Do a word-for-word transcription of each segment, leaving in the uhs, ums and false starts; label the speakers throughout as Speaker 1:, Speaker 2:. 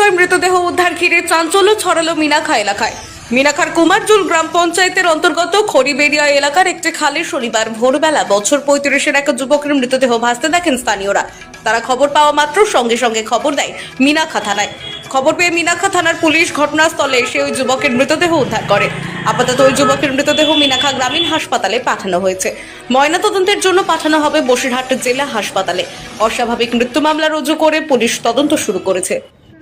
Speaker 1: যুবকের মৃতদেহ উদ্ধার ঘিরে চাঞ্চল্য ছড়ালো মিনাখা এলাকায়। মিনাখার কুমারজুল গ্রাম পঞ্চায়েতের অন্তর্গত খড়িবেড়িয়া এলাকার একটি খালে শনিবার ভোরবেলা বছর পঁয়ত্রিশের এক যুবকের মৃতদেহ ভাসতে দেখেন স্থানীয়রা। তারা খবর পাওয়া মাত্র সঙ্গে সঙ্গে খবর দেয় মিনাখা থানায়। খবর পেয়ে মিনাখা থানার পুলিশ ঘটনাস্থলে এসে ওই যুবকের মৃতদেহ উদ্ধার করে। আপাতত ওই যুবকের মৃতদেহ মিনাখা গ্রামীণ হাসপাতালে পাঠানো হয়েছে। ময়নাতদন্তের জন্য পাঠানো হবে বসিরহাট জেলা হাসপাতালে। অস্বাভাবিক মৃত্যু মামলা রুজু করে পুলিশ তদন্ত শুরু করেছে।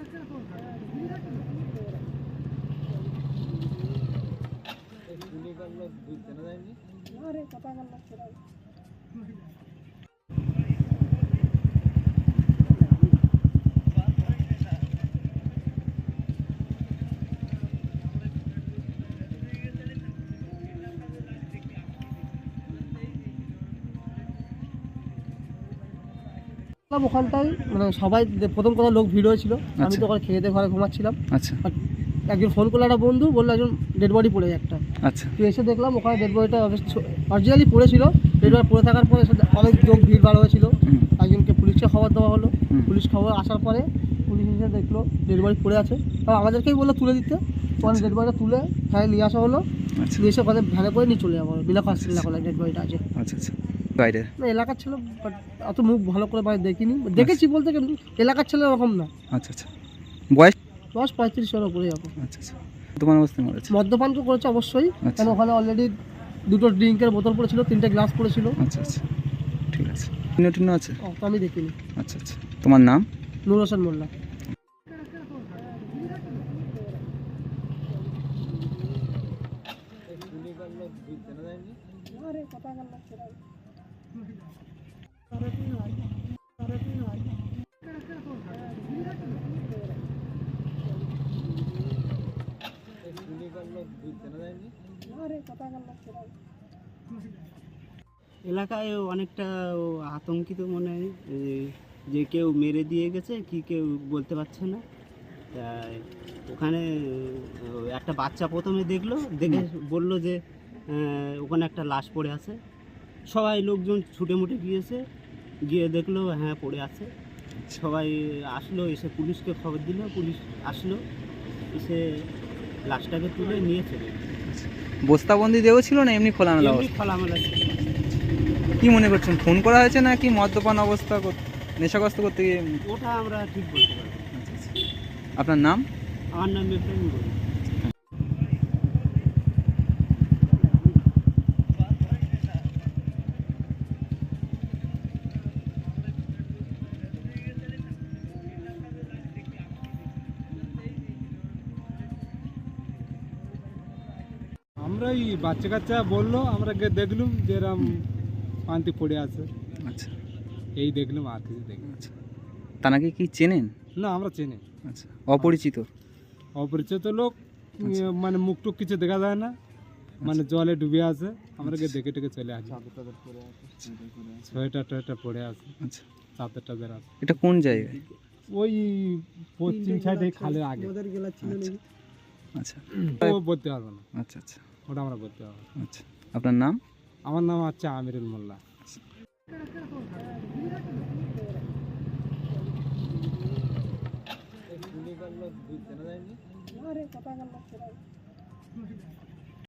Speaker 2: ওখানটায় মানে সবাই প্রথম কথা লোক ভিড় হয়েছিল। আমি তো ওখানে খেয়ে দিয়ে ঘরে ঘুমাচ্ছিলাম।
Speaker 3: আচ্ছা,
Speaker 2: একজন ফোন করলো, একটা বন্ধু বললো একজন ডেড বডি পড়ে একটা।
Speaker 3: আচ্ছা,
Speaker 2: তো এসে দেখলাম ওখানে ডেড বডিটা অরিজিনালি পড়েছিল। ডেড বডি পড়ে থাকার পরে অনেক লোক ভিড় ভাড় হয়েছিল। একজনকে পুলিশকে খবর দেওয়া হলো। পুলিশ খবর আসার পরে পুলিশ এসে দেখলো ডেড বডি পড়ে আছে। তাও আমাদেরকেই বললো তুলে দিতে। ওখানে ডেড বডিটা তুলে ভ্যানে নিয়ে আসা হলো। নিয়ে এসে ওখানে ভ্যানে করে নিয়ে চলে যাবো মিনাখা হসপিটালে। ডেড বডিটা আছে।
Speaker 3: আচ্ছা, আচ্ছা, বাইরে
Speaker 2: না এলাকার ছিল, বাট অত মুখ ভালো করে বাইরে দেখিনি। দেখেছি বলতে কিন্তু এলাকার ছেলে এরকম না।
Speaker 3: আচ্ছা, আচ্ছা, বয়স
Speaker 2: দশ পঁয়ত্রিশের উপরে যাবো।
Speaker 3: আচ্ছা, আচ্ছা, তোমার অবস্থা মরেছে।
Speaker 2: মদ্যপান তো করেছে অবশ্যই,
Speaker 3: আচ্ছা।
Speaker 2: কারণ ওখানে অলরেডি দুটো ড্রিঙ্কের বোতল পড়েছিল, তিনটে গ্লাস পড়েছিল।
Speaker 3: আচ্ছা, আচ্ছা, ঠিক আছে। টিন্ন টিন্ন আছে?
Speaker 2: ও, তো আমি দেখিনি।
Speaker 3: আচ্ছা, আচ্ছা, তোমার নাম?
Speaker 2: নূর হোসেন মোল্লা।
Speaker 4: এলাকায় অনেকটা আতঙ্কিত মনে হয় যে কেউ মেরে দিয়ে গেছে কি কেউ বলতে পারছে না। তাই ওখানে একটা বাচ্চা প্রথমে দেখলো, দেখে বলল যে ওখানে একটা লাশ পড়ে আছে। সবাই লোকজন ছুটে মুটে গিয়েছে, গিয়ে দেখলো হ্যাঁ পড়ে আছে। সবাই আসলো, এসে পুলিশকে খবর দিল। পুলিশ আসলো, এসে লাশটাকে তুলে নিয়ে চলে গেল।
Speaker 3: বস্তাবন্দি দেওয়া ছিল না এমনি খোলামেলা?
Speaker 4: এমনি খোলামেলা ছিল।
Speaker 3: কি মনে করছেন, ফোন করা হয়েছে নাকি মদ্যপান অবস্থা নেশাগ্রস্ত করতে গিয়ে?
Speaker 4: ওটা আমরা ঠিক বলতে পারবো।
Speaker 3: আচ্ছা, আচ্ছা, আপনার নাম?
Speaker 4: আমার নাম ইব্রাহিম বলি।
Speaker 5: আমরা এই বাচ্চা কাচ্চা বললো, আমরা গিয়ে দেখলুম যে এরম পান্তি পড়ে আছে।
Speaker 3: আচ্ছা,
Speaker 5: এই দেখলুম, আর কিছু দেখলাম।
Speaker 3: আচ্ছা, তাকে কি চেনেন?
Speaker 5: না আমরা চিনি।
Speaker 3: আচ্ছা, অপরিচিত?
Speaker 5: অপরিচিত লোক, মানে মুখ টুক কিছু দেখা যায় না, মানে জলে ডুবে আছে। আমরা গিয়ে দেখে টেকে চলে আসি। সোয়েটার টোয়েটার পড়ে আছে।
Speaker 3: আচ্ছা,
Speaker 5: চাদর টাদর আছে।
Speaker 3: এটা কোন জায়গায়?
Speaker 5: ওই পশ্চিম সাইডে খালের আগে।
Speaker 3: আচ্ছা,
Speaker 5: ও বলতে পারবো না।
Speaker 3: আচ্ছা, আচ্ছা,
Speaker 5: ওটা আমরা বলতে পারবো না।
Speaker 3: আচ্ছা, আপনার নাম?
Speaker 5: আমার নাম হচ্ছে আমিরুল মোল্লা।
Speaker 2: কথা